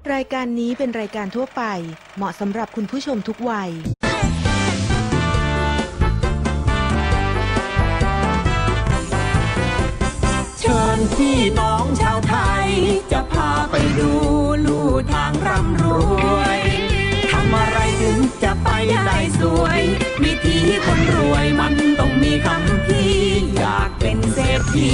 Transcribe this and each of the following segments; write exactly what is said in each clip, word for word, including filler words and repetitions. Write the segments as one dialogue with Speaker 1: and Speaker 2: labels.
Speaker 1: รายการนี้เป็นรายการทั่วไปเหมาะสำหรับคุณผู้ชมทุกวัย
Speaker 2: เชิญพี่น้องชาวไทยจะพาไปดูลู่ทางร่ำรวยทำอะไรถึงจะไปได้สวยวิธีคนรวยมันต้องมีคำพี่อยากเป็นเศรษฐี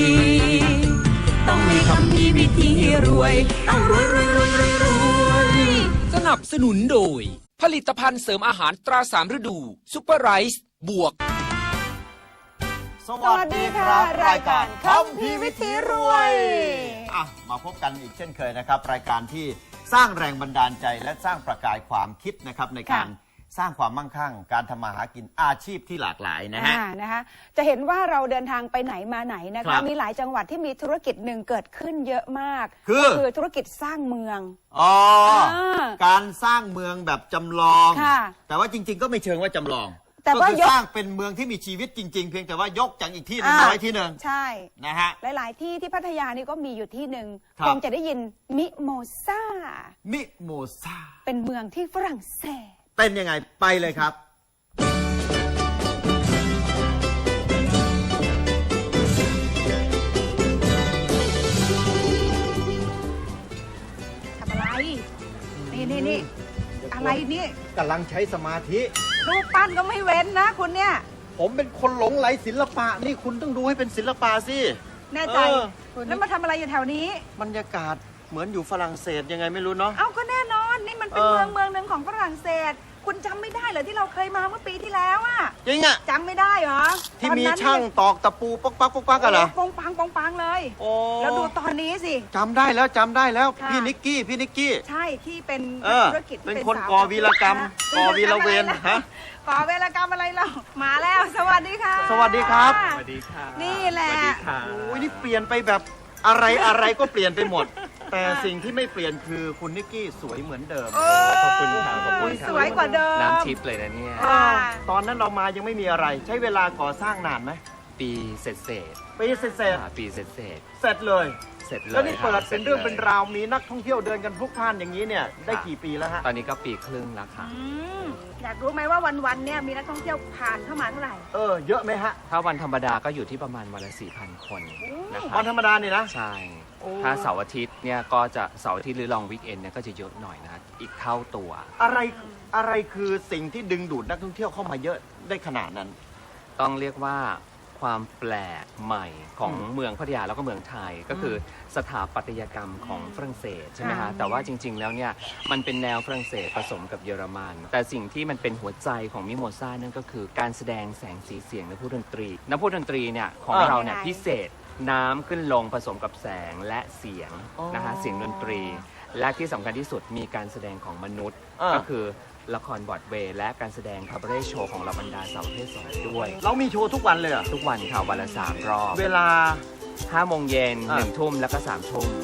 Speaker 2: ต้องมีคำพี่วิธีรวยต้องรวยรวยรวยรวยรวย
Speaker 3: สนับสนุนโดยผลิตภัณฑ์เสริมอาหารตราสามฤดูซุปเปอร์ไรซ์บวก
Speaker 4: สวัสดีค่ะรายการคำพีวิถีรวยอ่ะมาพบกันอีกเช่นเคยนะครับ รายการที่สร้างแรงบันดาลใจและสร้างประกายความคิดนะครับในการสร้างความมั่งคั่งการทำมาหากินอาชีพที่หลากหลายนะฮะ
Speaker 5: นะคะจะเห็นว่าเราเดินทางไปไหนมาไหนนะคะมีหลายจังหวัดที่มีธุรกิจหนึ่งเกิดขึ้นเยอะมากคือคือธุรกิจสร้างเมือง
Speaker 4: อ๋อการสร้างเมืองแบบจำลองแต่ว่าจริงๆก็ไม่เชิงว่าจำลองแต่ว่าสร้างเป็นเมืองที่มีชีวิตจริงๆเพียงแต่ว่ายกจากอีกที่หนึ่งมาไว้ที่หนึ่ง
Speaker 5: ใช่
Speaker 4: นะฮะ
Speaker 5: หลายๆที่ที่พัทยานี่ก็มีอยู่ที่หนึ่งคงจะได้ยินมิโมซา
Speaker 4: มิโมซา
Speaker 5: เป็นเมืองที่ฝรั่งเศส
Speaker 4: เป็นยังไงไปเลยครับ
Speaker 5: ทำอะไรนี่นี่นี่อะไรนี่
Speaker 4: กำลังใช้สมาธิ
Speaker 5: รูปปั้นก็ไม่เว้นนะคุณเนี่ย
Speaker 4: ผมเป็นคนหลงไหลศิลปะนี่คุณต้องดูให้เป็นศิลปะสิ
Speaker 5: แน่ใจแล้วมาทำอะไรอยู่แถวนี้
Speaker 4: บรรยากาศเหมือนอยู่ฝรั่งเศสยังไงไม่รู้เนาะ
Speaker 5: เอาก็แน่นอนนี่มันเป็นเมืองเมืองหนึ่งของฝรั่งเศสคุณจำไม่ได้เหรอที่เราเคยมาเมื่อปีที่แล้วอะ
Speaker 4: จริงอะ
Speaker 5: จำไม่ได้เหรอ
Speaker 4: ที่มีช่างตอกตะปูป๊อกปักป๊อกปักกันเหรอ
Speaker 5: ปองปังปองปังเลยแล้วดูตอนนี้สิ
Speaker 4: จำได้แล้วจำได้แล้วพี่นิกกี้พี่นิกกี้
Speaker 5: ใช่ที่เป็นธุรกิจ
Speaker 4: เป็นคนก่อวีรกรรมก่อวีรเวรฮะ
Speaker 5: ก่อวีรกรรมอะไรเรามาแล้วสวัสดีค่ะ
Speaker 4: สวัสดีครับ
Speaker 3: สวัสดีค่ะ
Speaker 5: นี่แหละ
Speaker 4: โอ้ยนี่เปลี่ยนไปแบบอะไรอะไรก็เปลี่ยนไปหมดแต่สิ่งที่ไม่เปลี่ยนคือคุณนิกกี้สวยเหมือนเดิม
Speaker 3: ขอบคุณค่ะขอบคุณ
Speaker 5: สวยกว่าเดิม
Speaker 3: น้ำทิพย์เลยนะเนี่ย
Speaker 4: ตอนนั้นเรามายังไม่มีอะไรใช้เวลาก่อสร้างนานไหม
Speaker 3: ปีเสร็จเสร็จ
Speaker 4: ปีเสร็จเสร็จ
Speaker 3: ปีเสร็จเสร็จ
Speaker 4: เสร็จเลย
Speaker 3: เสร็จเลย
Speaker 4: แล้วนี่เปิดเป็นเรื่องเป็นราวมีนักท่องเที่ยวเดินกันพลุกพล่านอย่างนี้เนี่ยได้กี่ปีแล้วฮะ
Speaker 3: ตอนนี้ก็ปีครึ่งแล้วค่ะ
Speaker 5: อยากรู้ไหมว่าวันๆเนี่ยมีนักท่องเที่ยวผ่านเข้ามาเท่าไหร่
Speaker 4: เออเยอะไหมฮะ
Speaker 3: ถ้าวันธรรมดาก็อยู่ที่ประมาณวันละสี่พันคน
Speaker 4: นะครับวันธรรมดาเนี่ยนะ
Speaker 3: ใช่ถ้าเสาร์อาทิตย์เนี่ยก็จะเสาร์อาทิตย์หรือลองวีคเอนเนี่ยก็จะเยอะหน่อยนะอีกเท่าตัว
Speaker 4: อะไรอะไรคือสิ่งที่ดึงดูดนักท่องเที่ยวเข้ามาเยอะได้ขนาดนั้น
Speaker 3: ต้องเรียกว่าความแปลกใหม่ของเมืองพัทยาแล้วก็เมืองไทยก็คือสถาปัตยกรรมของฝรั่งเศสใช่ไหมฮะแต่ว่าจริงๆแล้วเนี่ยมันเป็นแนวฝรั่งเศสผสมกับเยอรมันแต่สิ่งที่มันเป็นหัวใจของมิโมซานั่นก็คือการแสดงแสงสีเสียงนักพูดดนตรีนักพูดดนตรีเนี่ยของเราเนี่ยพิเศษน้ำขึ้นลงผสมกับแสงและเสียงนะฮะเสียงดนตรีและที่สำคัญที่สุดมีการแสดงของมนุษย์ก็คือละครบรอดเวย์และการแสดงคาบาเร่โชว์ของเราบรรดาสาวประเภทสองด้วย
Speaker 4: เรามีโชว์ทุกวันเลยเหรอ
Speaker 3: ทุกวันค่ะวันละสามรอบ
Speaker 4: เวลา
Speaker 3: ห้าโมงเย็นหนึ่งทุ่มแล้วก็สามทุ่ม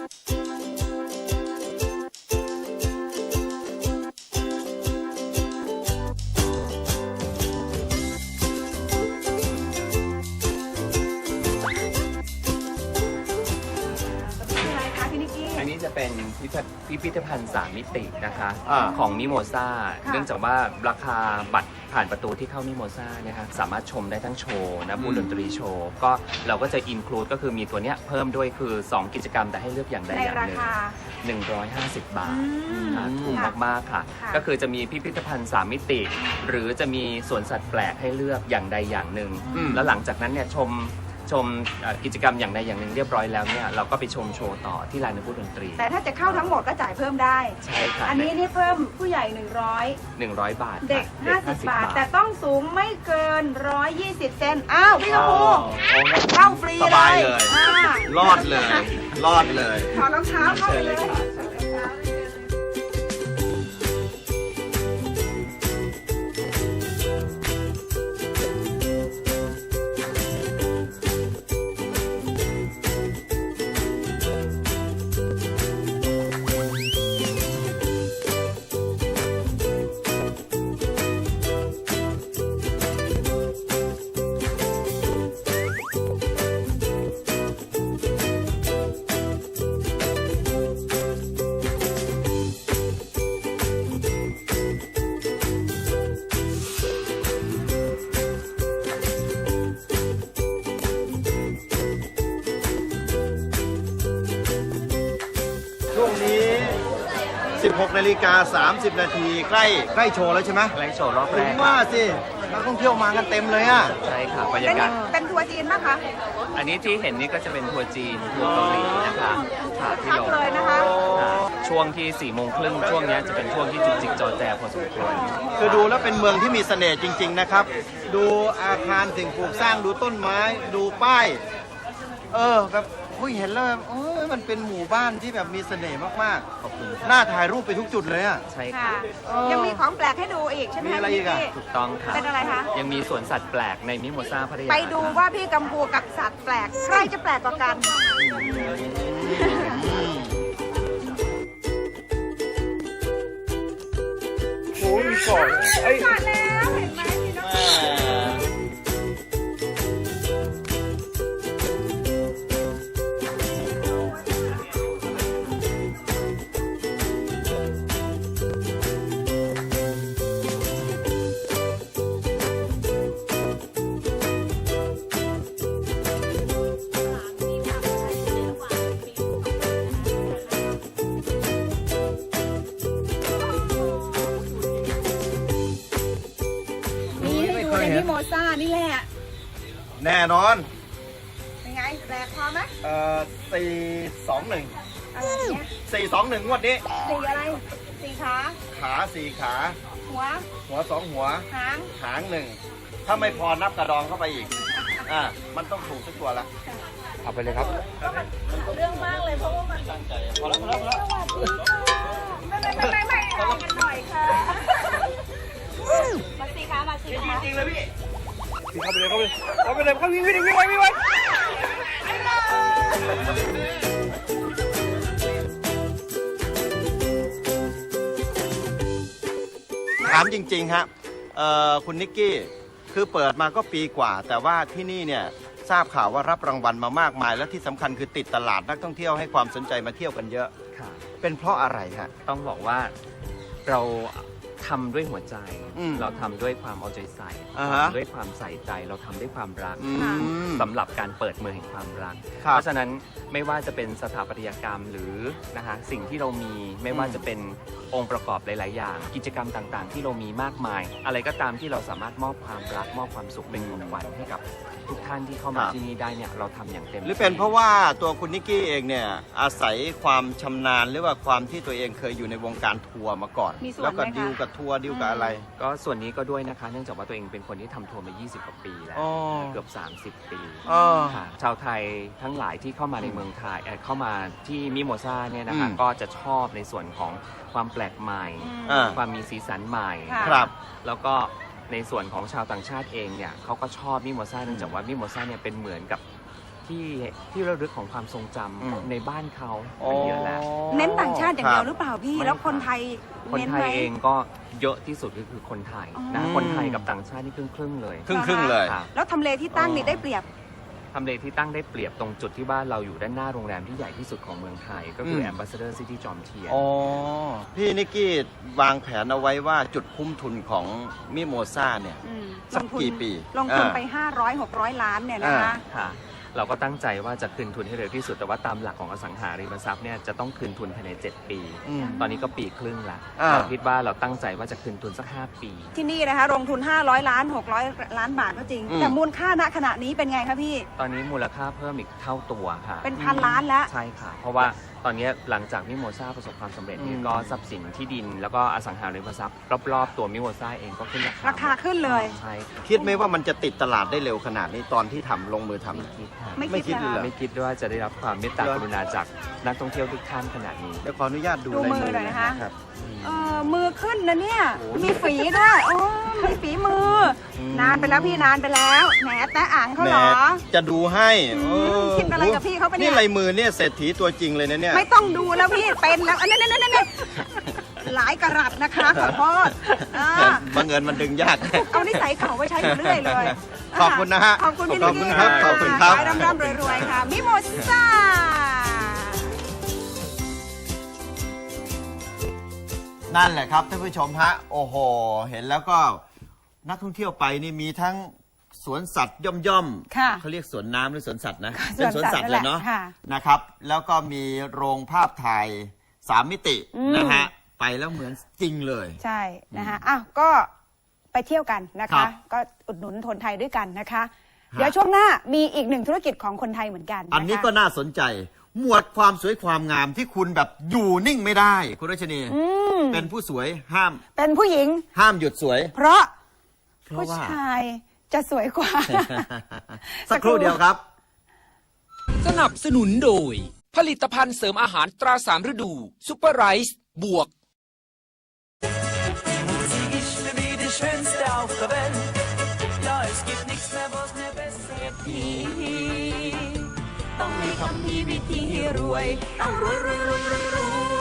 Speaker 3: จะเป็นพิพิธภัณฑ์สามมิตินะคะของมิโมซาเนื่องจากว่าราคาบัตรผ่านประตูที่เข้ามิโมซาเนี่ยค่ะสามารถชมได้ทั้งโชว์นะบูดนตรีโชว์ก็เราก็จะอินคลูดก็คือมีตัวเนี้ยเพิ่มด้วยคือสองกิจกรรมแต่ให้เลือกอย่างใดอย่างหนึ่งหนึ่งร้อยห้าสิบบาทถูกมากๆค่ะก็คือจะมีพิพิธภัณฑ์สามมิติหรือจะมีสวนสัตว์แปลกให้เลือกอย่างใดอย่างหนึ่งแล้วหลังจากนั้นเนี่ยชมชมกิจกรรมอย่างใดอย่างหนึ่งเรียบร้อยแล้วเนี่ยเราก็ไปชมโชว์ต่อที่ลานนักพูดดนตรี
Speaker 5: แต่ถ้าจะเข้าทั้งหมดก็จ่ายเพิ่มได้
Speaker 3: ใช่ค่ะ
Speaker 5: อันนี้นี่เพิ่มผู้ใหญ่หนึ่งร้อย
Speaker 3: หนึ่งร้อยบาท
Speaker 5: เด็กห้าสิบบาทแต่ต้องสูงไม่เกินหนึ่งร้อยยี่สิบเซนอ้าวพี่กระพูเข้าฟรีเลย
Speaker 4: รอดเลยรอดเลย
Speaker 5: ถอดรองเท้าเข้าไปเลย
Speaker 4: สิบหกนาฬิกาสามสิบนาทีใกล้ใกล้โชว์แล้วใช่ไหม
Speaker 3: แรงโชว์รอบแร
Speaker 4: ถึง
Speaker 3: ก
Speaker 4: ว่าสินักท่องเที่ยวมากันเต็มเลยอ่ะ
Speaker 3: ใช่ค่ะบรร
Speaker 5: เป็
Speaker 3: ยาน กาศ
Speaker 5: เป็นทัวร์จีนป่ะคะ
Speaker 3: อันนี้ที่เห็นนี่ก็จะเป็นทัวร์จีนทัวร์เกาหลีนะคะค่ะที่
Speaker 5: พัก
Speaker 3: ลง
Speaker 5: เลยนะคะ
Speaker 3: ค่ะช่วงที่สี่โมงครึ่งช่วงเนี้ยจะเป็นช่วงที่จุกจิกจอแจพอสมควร
Speaker 4: คือดูแล้วเป็นเมืองที่มีเสน่ห์จริง ๆ นะครับ ดูอาคารสิ่งปลูกสร้างดูต้นไม้ ดูป้าย เออแบบอุ้ยเห็นแล้วแบบโอ้ยมันเป็นหมู่บ้านที่แบบมีเสน่ห์มาก
Speaker 3: ขอบคุณ
Speaker 4: ๆ น่าถ่ายรูปไปทุกจุดเลยอ่ะ
Speaker 3: ใช่
Speaker 5: ค่ะ
Speaker 3: ค่ะ
Speaker 4: เออ
Speaker 5: ยังมีของแปลกให้ดูอีกใช่ไหม
Speaker 4: มีอะไรอีกอะ
Speaker 5: พี่
Speaker 3: ถูกต้องค่ะ
Speaker 5: เป็นอะไรคะ
Speaker 3: ยังมีสวนสัตว์แปลกในมิโมซาพัทยา
Speaker 5: ไปดูว่าพี่กัมพูกับสัตว์แปลกใครจะแปลกกว่ากัน
Speaker 4: โอ้ยก่อนไอ้
Speaker 5: มาแล้วเห็นไหมพี่น้อง นี่ให้ดูในมิโมซ่านี่แหละ
Speaker 4: แน่นอน
Speaker 5: เป็นไงแปลกพอไหม
Speaker 4: เอ่อสี่สองหนึ่ง
Speaker 5: อะไรเนี่ย
Speaker 4: สี่สองหนึ่งงวดนี้
Speaker 5: สีอะไรสีขา
Speaker 4: ขาสี่ขา
Speaker 5: หัว
Speaker 4: หัวสองหัว
Speaker 5: หาง
Speaker 4: หางหนึ่ง ถ้าไม่พอนับกระดองเข้าไปอีก อ่า มันต้องถูกสักตัวละ
Speaker 3: เอาไปเลยครับ
Speaker 5: เรื่องมากเลยเพราะว่ามัน
Speaker 4: ตั้งใจ พอแล้วพอแล้วพอแล้ว
Speaker 5: ไม่ไม่ไม่ไม่อะไรกันหน่อยค่ะมาสีขามาสีขา
Speaker 4: จริงเลยพี่
Speaker 3: เข้าไปเลยเข้าไปเลยเข้าไปเลยเข้าวิ่งวิ่งวิ่งไว้วิ่งไว้
Speaker 4: ถามจริง ๆ ฮะเอ่อคุณนิกกี้ คือเปิดมาก็ปีกว่า แต่ว่าที่นี่เนี่ยทราบข่าวว่ารับรางวัลมามากมาย และที่สำคัญคือติดตลาดนักท่องเที่ยวให้ความสนใจมาเที่ยวกันเยอะ
Speaker 3: ค่ะ
Speaker 4: เป็นเพราะอะไรฮะ
Speaker 3: ต้องบอกว่าเราทำด้วยหัวใจ
Speaker 4: อืม
Speaker 3: เราทำด้วยความเอาใจใส่
Speaker 4: อ่าฮะ
Speaker 3: ด้วยความใส่ใจเราทำด้วยความรัก
Speaker 4: อืม
Speaker 3: สำหรับการเปิดเมืองแห่งความรัก
Speaker 4: ครับ
Speaker 3: เพราะฉะนั้นไม่ว่าจะเป็นสถาปัตยกรรมหรือนะคะสิ่งที่เรามีไม่ว่า
Speaker 4: อืม
Speaker 3: จะเป็นองค์ประกอบหลาย ๆ อย่าง กิจกรรมต่าง ๆ ที่เรามีมากมาย อะไรก็ตามที่เราสามารถมอบความรักมอบความสุขเป็นของขวัญให้กับทุกท่านที่เข้ามาที่นี่ได้เนี่ยเราทำอย่างเต็ม
Speaker 4: หรือเป็นเพราะว่าตัวคุณนิกกี้เองเนี่ยอาศัยความชำนาญหรือว่าความที่ตัวเองเคยอยู่ในวงการทัวร์มาก่อน
Speaker 5: มีส่วน
Speaker 4: แล้วก็
Speaker 5: ไหมคะ
Speaker 4: ดิวกับทัวร์ดิวกับอะไร
Speaker 3: ก็ส่วนนี้ก็ด้วยนะคะ เนื่องจากว่าตัวเองเป็นคนที่ทำทัวร์มา ยี่สิบ กว่าปีแล้ว
Speaker 4: อ๋อ
Speaker 3: เกือบ สามสิบ ปี
Speaker 4: อ๋อ
Speaker 3: ค่ะชาวไทยทั้งหลายที่เข้ามาในเมืองไทยเอ่อเข้ามาที่มิโมซาเนี่ยนะคะ
Speaker 4: อืม
Speaker 3: ก็จะชอบในส่วนของความแปลกใหม่
Speaker 4: อ่า
Speaker 3: ความมีสีสันใหม่
Speaker 5: ค่ะ
Speaker 4: ครับ
Speaker 3: แล้วก็ในส่วนของชาวต่างชาติเองเนี่ยเขาก็ชอบมิโมซาเนื่องจากว่ามิโมซาเนี่ยเป็นเหมือนกับที่ที่ระลึกของความทรงจ
Speaker 4: อืม
Speaker 3: ำในบ้านเขาเป็นเยอะแล้ว
Speaker 5: เน้นต่างชาติอย่างเดียวห
Speaker 4: ค
Speaker 5: รือเปล่าพี่
Speaker 3: ไม่
Speaker 5: แล้วคนไทย
Speaker 3: คน
Speaker 5: เน้น
Speaker 3: ไท
Speaker 5: ไหม
Speaker 3: ยเองก็เยอะที่สุดก็คือคนไทยนะ
Speaker 4: อืม
Speaker 3: คนไทยกับต่างชาตินี่ครึ่งครึ่งๆเลย
Speaker 4: ครึ่งครึ่งๆเลย
Speaker 3: ค่ะ
Speaker 5: แล้วทำเลที่ตั้งนี่ได้เปรียบ
Speaker 3: ทำเลที่ตั้งได้เปรียบตรงจุดที่ว่าเราอยู่ด้านหน้าโรงแรมที่ใหญ่ที่สุดของเมืองไทย ก็คือ
Speaker 4: ม
Speaker 3: Ambassador City จอมเทียน
Speaker 4: อ๋อ พี่นิกกี้วางแผนเอาไว้ว่าจุดคุ้มทุนของมิโมซาเนี่ย
Speaker 5: อืม
Speaker 4: สักกี่ปี
Speaker 5: ลงทุน
Speaker 4: อ่า
Speaker 5: ไป ห้าร้อย หกร้อย ล้านเนี่ยนะคะ
Speaker 4: อ่า
Speaker 3: ค่ะ เราก็ตั้งใจว่าจะคืนทุนให้เร็วที่สุด แต่ว่าตามหลักของอสังหาริมทรัพย์เนี่ยจะต้องคืนทุนภายใน เจ็ด ปี
Speaker 4: อืม
Speaker 3: ตอนนี้ก็ปีครึ่งละ
Speaker 4: อ่า
Speaker 3: เราคิดว่าเราตั้งใจว่าจะคืนทุนสัก ห้า ปี
Speaker 5: ที่นี่นะคะลงทุน ห้าร้อย ล้าน หกร้อย ล้านบาทก็จริง
Speaker 4: อืม
Speaker 5: แต่มูลค่าณขณะนี้เป็นไงคะพี่
Speaker 3: ตอนนี้มูลค่าเพิ่มอีกเท่าตัวค่ะ
Speaker 5: เป็นพันล้านแล้ว
Speaker 3: ใช่ค่ะ เพราะว่าตอนนี้หลังจากมิโมซาประสบความสำเร็จเนี่ย
Speaker 4: อืม
Speaker 3: ก็ทรัพย์สินที่ดิน แล้วก็อสังหาริมทรัพย์รอบๆตัวมิโมซาเองก็ขึ้นราคา
Speaker 5: ราคาขึ้นเลย
Speaker 3: ใช่ค่ะ
Speaker 4: คิดไหมว่ามันจะติดตลาดได้เร็วขนาดนี้ตอนที่ทำลงมือทำ
Speaker 3: ไม่คิดค่ะ
Speaker 5: ไม่
Speaker 4: ไม่คิ
Speaker 5: คิ
Speaker 4: ด
Speaker 5: ด
Speaker 4: เลยเหรอ
Speaker 5: นะ
Speaker 3: ไม่คิดว่าจะได้รับความเมตตากรุณาจากนักท่องเที่ยวทุกท่านขนาดนี้
Speaker 4: เดี๋ยวขออนุญาตดู
Speaker 5: ดู
Speaker 4: ลาย
Speaker 5: มือหน่อยนะคะ
Speaker 4: รับ
Speaker 5: เออมือขึ้นนะเนี่ย มีฝีด้วยโอ้มีฝีมืออ
Speaker 4: ม
Speaker 5: นานไปแล้วพี่นานไปแล้ว แหมแตะอ่างเขา
Speaker 4: แหม
Speaker 5: เหรอ
Speaker 4: จะดูให้
Speaker 5: อืม
Speaker 4: เออ
Speaker 5: คิดอะไรกับพี่เขาปะเนี่ย
Speaker 4: นี่ลายมือเนี่ยเศรษฐีตัวจริงเลยนะเนี่ย
Speaker 5: ไม่ต้องดูแล้วพี่เป็นแล้วอันนั้นนั่นนั่นหลายกะรัตนะคะขอโทษอ่า
Speaker 4: บังเอิญมันดึงยาก
Speaker 5: เอานิสัยเก่าไว้ใช้อยู่เรื่อยเลย
Speaker 4: ขอบคุณนะฮะ
Speaker 5: ขอบคุณพี่
Speaker 4: ขอบคุณครับ
Speaker 5: นิกกี้
Speaker 4: ขอบคุณครับ
Speaker 5: ขอให้ร่ำๆรวยๆค่ะ มิโมซ่า
Speaker 4: นั่นแหละครับท่านผู้ชมฮะ โอ้โห เห็นแล้วก็นักท่องเที่ยวไปนี่มีทั้งสวนสัตว์ย่อมย่อมๆ
Speaker 5: ค่ะ
Speaker 4: เขาเรียกสวนน้ำหรือสวนสัตว์นะ
Speaker 5: สวนสัตว์
Speaker 4: เป็นสวนสัตว์เลยเนาะ
Speaker 5: นั่นแหละค่ะ
Speaker 4: นะครับ แล้วก็มีโรงภาพถ่ายสามมิติ
Speaker 5: อืม
Speaker 4: นะฮะไปแล้วเหมือนจริงเลย
Speaker 5: ใช่นะคะอ้าวก็ไปเที่ยวกันนะ
Speaker 4: ครั
Speaker 5: คะ
Speaker 4: บ
Speaker 5: ก็อุดหนุนคนไทยด้วยกันนะคะ เดี๋ยวช่วงหน้ามีอีกหนึ่งธุรกิจของคนไทยเหมือนกันนะคะ
Speaker 4: อันนี้ก็น่าสนใจ หมวดความสวยความงามที่คุณแบบอยู่นิ่งไม่ได้ คุณรัชนีเป็นผู้สวยห้าม
Speaker 5: เป็นผู้หญิง
Speaker 4: ห้ามหยุดสวย
Speaker 5: เพราะ
Speaker 4: เพราะ
Speaker 5: ผู้
Speaker 4: ว่า
Speaker 5: ชายจะสวยกว่า
Speaker 4: สักครู่เดียวครับ
Speaker 6: สนับสนุนโดย ผลิตภัณฑ์เสริมอาหารตราสามฤดูซุปเปอร์ไรซ์บวก
Speaker 2: ต้องมีคำพีวิธีรวย ต้องรวยรวยรวยรวยรวย